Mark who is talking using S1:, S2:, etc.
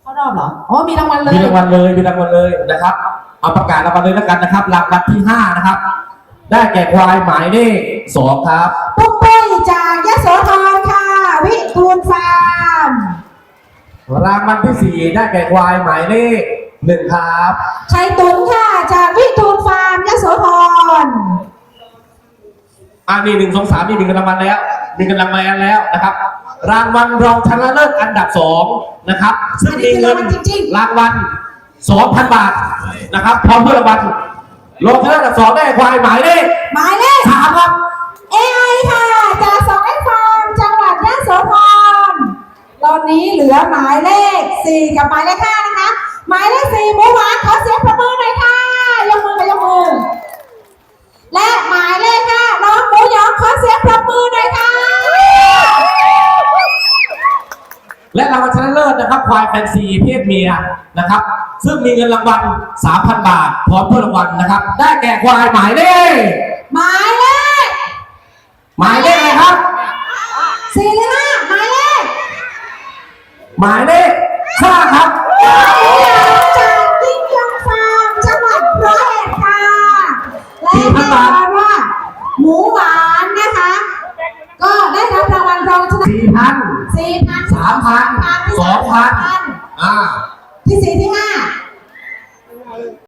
S1: เข้ารอบเหรออ๋อมีรางวัลเลย
S2: มีรางวัลเลยนะครับเอาประกาศรางวัลเลยแล้วกันนะครับรางวัลที่5นะครับได้แก่ควายหมายเลข2ครับ
S1: ปุ๊กปุ้ยจากยโสธรค่ะวิทูลฟาร์ม
S2: รางวัลที่4ได้แก่ควายหมายเลข1ครับ
S1: ชัยตุนค่ะจากวิทูลฟาร์มยโสธร
S2: นี่1 2 3มี1รางวัลแล้วมี1รางวัลแล้วนะครับรางวัลรองชนะเลิศอันดับ2นะครับซึ่งมีเงินรางวัล 2,000 บาทนะครับพร้อมเพื่อรางวัลรองชนะเลิศอันดับ2ได้ควายหมายเลข3ครับ
S1: AI ค่ะจาก2 ฟาร์มจังหวัดยโสธรตอนนี้เหลือหมายเลข4กับหมายเลข5นะคะหมายเลข4หมูหวานขอเสียงปรบมือหน่อยค่ะยกมือและหมายเลข5น้องหมูหยองขอเสียงปรบมือหน่อยค่ะ
S2: และรางวัลชนะเลิศนะครับควายแฟนซีเพศเมียนะครับซึ่งมีเงินรางวัล 3,000 บาทพร้อมเพื่อรางวัลนะครับได้แก่ควายหมายเลขอะไรครับ
S1: 4หรือ5หมายเลข
S2: 5ครับ
S1: จากยิ่งยงฟาร์มจังหวัดร้อยเอ็ดค่ะและแน่นอนว่าหมูหวานนะคะก็ได้รับรางวัลรองชนะ4,000
S2: 3,000 2,000
S1: ที่4ที่5